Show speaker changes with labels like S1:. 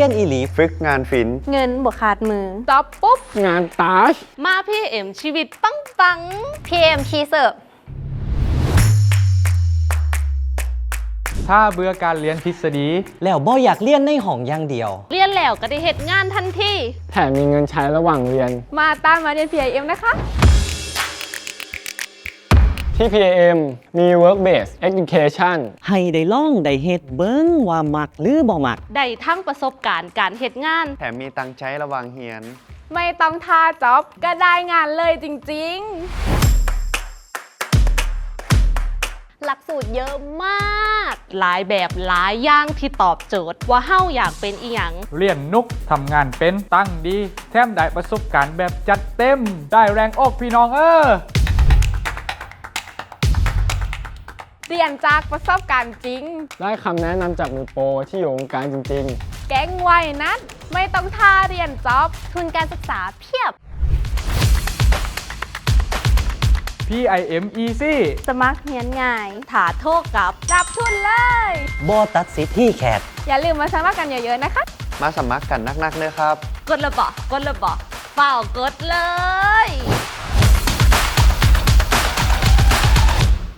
S1: รียนอีหลี
S2: ฝึกงานศิลป์
S3: เงินบวกขาดมือ
S4: จอบปุ๊บ
S5: งานตาช
S4: มาพี่เอ็มชีวิตปังปัง
S3: PM คีเสิร์ฟ
S6: ถ้าเบื่อการเรียนทฤษฎี
S1: แล้วบ่อยากเรียนในห้องอย่างเดียว
S4: เรียนแล้วก็ได้เหตุงานทันที
S5: แถมมีเงินใช้ระหว่างเรียน
S4: มาตามมาเรียน PIM นะคะ
S5: ที่ PAM มี Work Based Education
S1: ให้ได้ล่องได้เฮ็ดเบิ้งว่ามักหรือบ่มัก
S4: ได้ทั้งประสบการณ์การเหตุงาน
S2: แถมมีตังค์ใช้ระหว่างเฮียน
S4: ไม่ต้องท่าจ็อบก็ได้งานเลยจริง
S3: หลักสูตรเยอะมาก
S4: ๆ หลายแบบหลายอย่างที่ตอบโจทย์ว่าเฮาอยากเป็นอีหยัง
S6: เรียนนุกทำงานเป็นตั้งดีแถมได้ประสบการณ์แบบจัดเต็ม ได้แรงอกพี่น้อง
S4: เรียนจากประสบการณ์จริง
S5: ได้คำแนะนำจากมือโปรที่อยู่วงการจริงๆ
S4: แก๊งไว้นัดไม่ต้องท่าเรียนจ็อบ
S3: ทุนการศึกษาเพียบ
S6: PIM Easy
S3: สมัครเรียนง่าย
S4: ถาโทษกับรับทุนเลย
S1: บ่ตัดสิทธิ์ที่แขก
S4: อย่าลืมมาสมัครกันเยอะๆนะคะ
S2: มาสมัครกันนักๆเลยครับ
S4: กดระบอกเปล่ากดเลย